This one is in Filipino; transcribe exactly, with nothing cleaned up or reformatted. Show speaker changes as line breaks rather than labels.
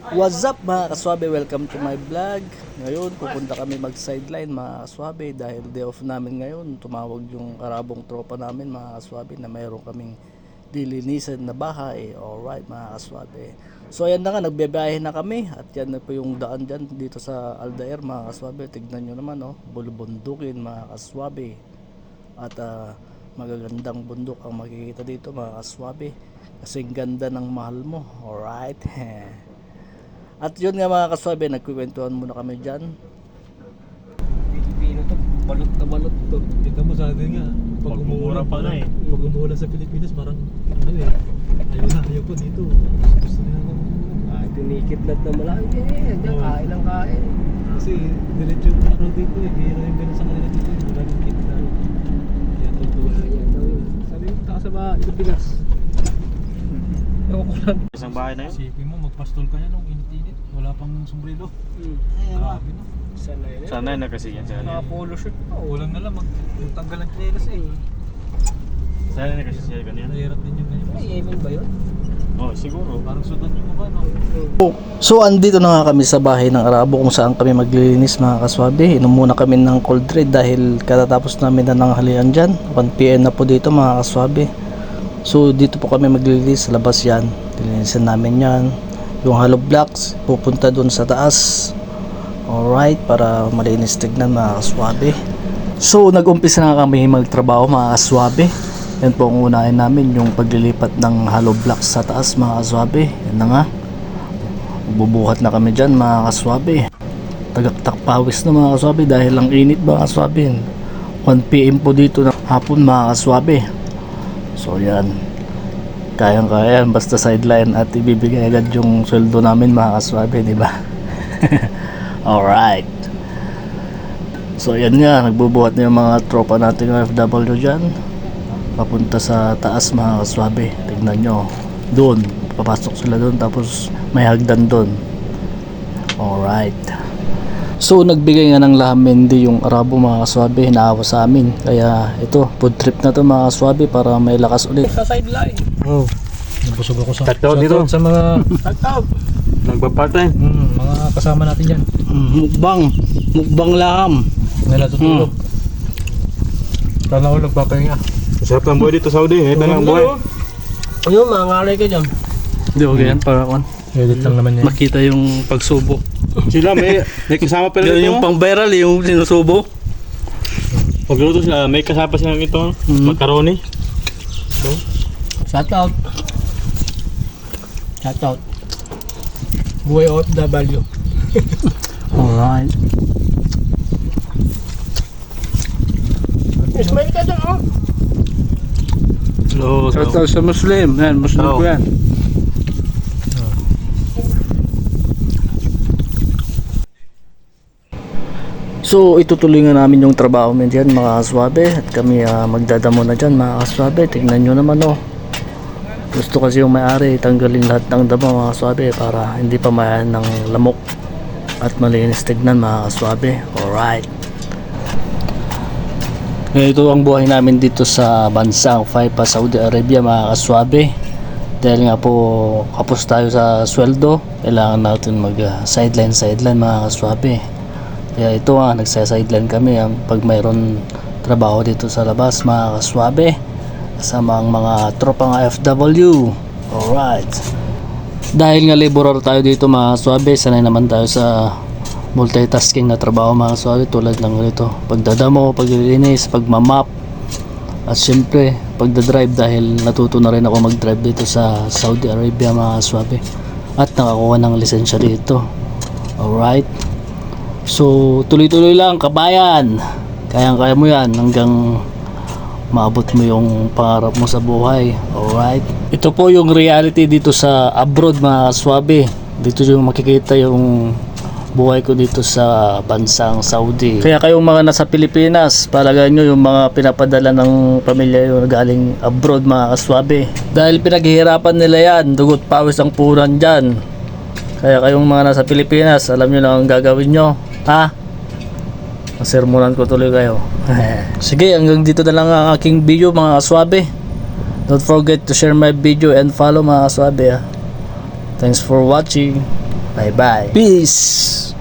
What's up mga kaswabe? Welcome to my vlog. Ngayon pupunta kami mag sideline mga kaswabe dahil day off namin ngayon. Tumawag yung karabong tropa namin mga kaswabe na mayroon kaming dilinisan na bahay. Alright mga kaswabe. So ayan na nga, nagbebiyahe na kami at yan na po yung daan dyan dito sa Aldair mga kaswabe. Tignan nyo naman oh, bulubundukin mga kaswabe. At uh, magagandang bundok ang makikita dito mga kaswabe. Kasing ganda ng mahal mo. Alright. At yun nga mga kaswabe, nagkukwentuhan muna kami dyan.
Pilipino to, balot na balot to.
Kita mo sa atin nga, pag umuulan pa nga eh. Pag umuulan sa Pilipinas, parang ano eh. Ayaw na, ayaw po dito. Gusto nila lang.
Ah, tinikidlat na malaki eh. Diyan,
Oo.
kain lang kain.
Kasi diretso yung araw dito eh. Bihira yung ganun sa kanila dito. Wala nang kita. Kaya totoo
Ah,
lang.
yan daw yun. Sabi mo, taka sa ba, Pilipinas. Ewan ko lang.
Isang bahay na yun?
Isipin mo, magpastol ka niya nung init-init. Wala pang sombrero.
Hmm.
Grabe no.
Sana yun.
Sana na kasi yan. Sana
Naka polo shirt pa. oh.
Ulang na lang, mag magtanggal ng chinelas eh.
Sana na kasi siya kanina.
Nahirap din yung ganyan.
May Yemen ba yun?
Oh, siguro.
Parang sudan yung mukha no.
So andito na nga kami sa bahay ng Arabo kung saan kami maglilinis mga kaswabe. Inom muna kami ng cold red dahil katatapos namin na nanghalian dyan. one p m na po dito mga kaswabe. So dito po kami maglilinis sa labas yan. Dilinisan namin yan. Yung hollow blocks pupunta dun sa taas. Alright, para malinis tignan mga kaswabe. So nag-umpisa na kami magtrabaho mga kaswabe. Yan po ang unahin namin, yung paglilipat ng hollow blocks sa taas mga kaswabe. Yan na nga. Bubuhat na kami dyan mga kaswabe. Tagaktak pawis na mga kaswabe dahil ang init mga kaswabe. one p m po dito ng hapon mga kaswabe. So yan, kayang kaya yan basta sideline at ibibigay agad yung sweldo namin mga kaswabe, di ba? Alright. So yan nga, nagbubuhat na yung mga tropa nating O F W dyan papunta sa taas mga kaswabe. Tignan nyo, doon papasok sila doon, tapos may hagdan doon. Alright. So nagbigay nga ng lahamendi yung Arabo mga kaswabe, hinaawa sa amin. Kaya ito, food trip na to mga kaswabe para may lakas ulit.
Sa sideline.
Oh. Nabusog ako sa
Tagtaw
shoutout
dito.
sa mga
Tagtaw.
Nagpa-part-time.
mm, mga kasama natin diyan.
Mukbang, mukbang laham.
Nila tutulog. Sana ako nagpapahinga.
Masarap ng buhay dito sa Saudi. Ito na ang buhay.
Ayun, mga ngalay ka dyan.
Hindi okay yan para kon
Edit lang naman yan.
makita yung pagsubo.
Sila may, may kasama pala
Yun
dito.
yung pang viral, yung sinusubo.
Pagluto sila, may kasama silang ito.
Mhm.
Macaroni.
Shout out. Shout out. Buhay O F W.
Alright.
Smile ka dyan, oh.
Hello.
Ito sa Muslim, yan, Muslim
Oh.
ko yan. So itutuloy nga namin yung trabaho namin dyan mga kaswabe at kami uh, magdadamo na dyan mga kaswabe. Tignan nyo naman oh. Gusto kasi yung may-ari tanggalin lahat ng damo mga kaswabe para hindi pa mayan ng lamok at malinis tignan mga kaswabe. Alright. Ito ang buhay namin dito sa bansang Faipa, Saudi Arabia mga kaswabe. Dahil nga po kapos tayo sa sweldo, kailangan natin mag uh, sideline sideline mga kaswabe. Kaya ito nga, nagsa-sideline kami ang pag mayroon trabaho dito sa labas mga kaswabe kasama ang mga tropang O F W. Alright. Dahil nga laborer tayo dito mga kaswabe, sanay naman tayo sa multitasking na trabaho mga kaswabe tulad ng ito, pagdadamo, paglilinis, pagmamap at syempre pagdadrive dahil natuto na rin ako mag-drive dito sa Saudi Arabia mga kaswabe at nakakuha ng lisensya dito. Alright. So tuloy-tuloy lang kabayan, kayang-kaya mo yan hanggang maabot mo yung pangarap mo sa buhay. Alright. Ito po yung reality dito sa abroad mga kaswabe. Dito yung makikita yung buhay ko dito sa bansang Saudi. Kaya kayong mga nasa Pilipinas, palagay nyo yung mga pinapadala ng pamilya yung galing abroad mga kaswabe. Dahil pinaghihirapan nila yan, dugot pawis ang puhunan dyan. Kaya kayong mga nasa Pilipinas, alam nyo lang ang gagawin nyo. Ha? Sermonan ko tuloy kayo. Sige, hanggang dito na lang ang aking video mga kaswabe. Don't forget to share my video and follow mga kaswabe. Ha? Thanks for watching. Bye bye. Peace.